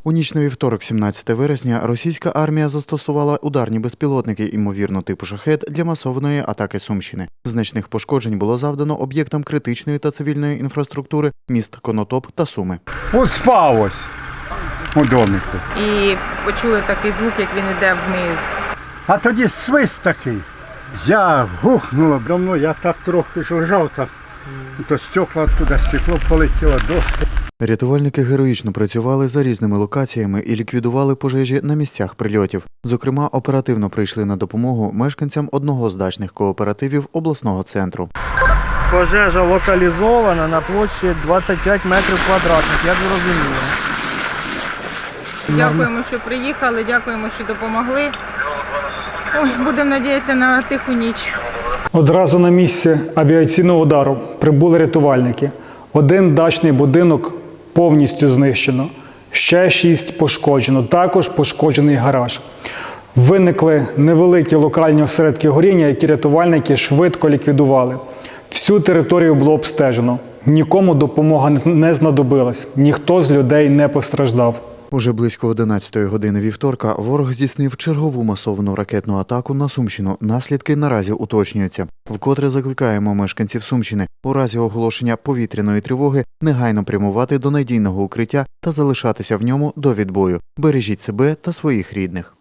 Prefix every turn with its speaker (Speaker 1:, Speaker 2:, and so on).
Speaker 1: У ніч на вівторок, 17 вересня, російська армія застосувала ударні безпілотники, ймовірно, типу «Шахед» для масованої атаки Сумщини. Значних пошкоджень було завдано об'єктам критичної та цивільної інфраструктури міст Конотоп та Суми.
Speaker 2: От спав ось у домику.
Speaker 3: І почули такий звук, як він йде вниз.
Speaker 2: А тоді свист такий. Я гухнуло давно, я так трохи ж лежав, так, то стекла туди, стекло полетіло, доски.
Speaker 1: Рятувальники героїчно працювали за різними локаціями і ліквідували пожежі на місцях прильотів. Зокрема, оперативно прийшли на допомогу мешканцям одного з дачних кооперативів обласного центру.
Speaker 4: Пожежа локалізована на площі 25 метрів квадратних, як зрозуміло.
Speaker 3: Дякуємо, що приїхали, дякуємо, що допомогли. Ой, будемо надіятися на тиху ніч.
Speaker 5: Одразу на місце авіаційного удару прибули рятувальники. Один дачний будинок повністю знищено, ще 6 пошкоджено, також пошкоджений гараж. Виникли невеликі локальні осередки горіння, які рятувальники швидко ліквідували. Всю територію було обстежено. Нікому допомога не знадобилась, ніхто з людей не постраждав.
Speaker 1: Уже близько 11-ї години вівторка ворог здійснив чергову масовану ракетну атаку на Сумщину. Наслідки наразі уточнюються. Вкотре закликаємо мешканців Сумщини у разі оголошення повітряної тривоги негайно прямувати до надійного укриття та залишатися в ньому до відбою. Бережіть себе та своїх рідних.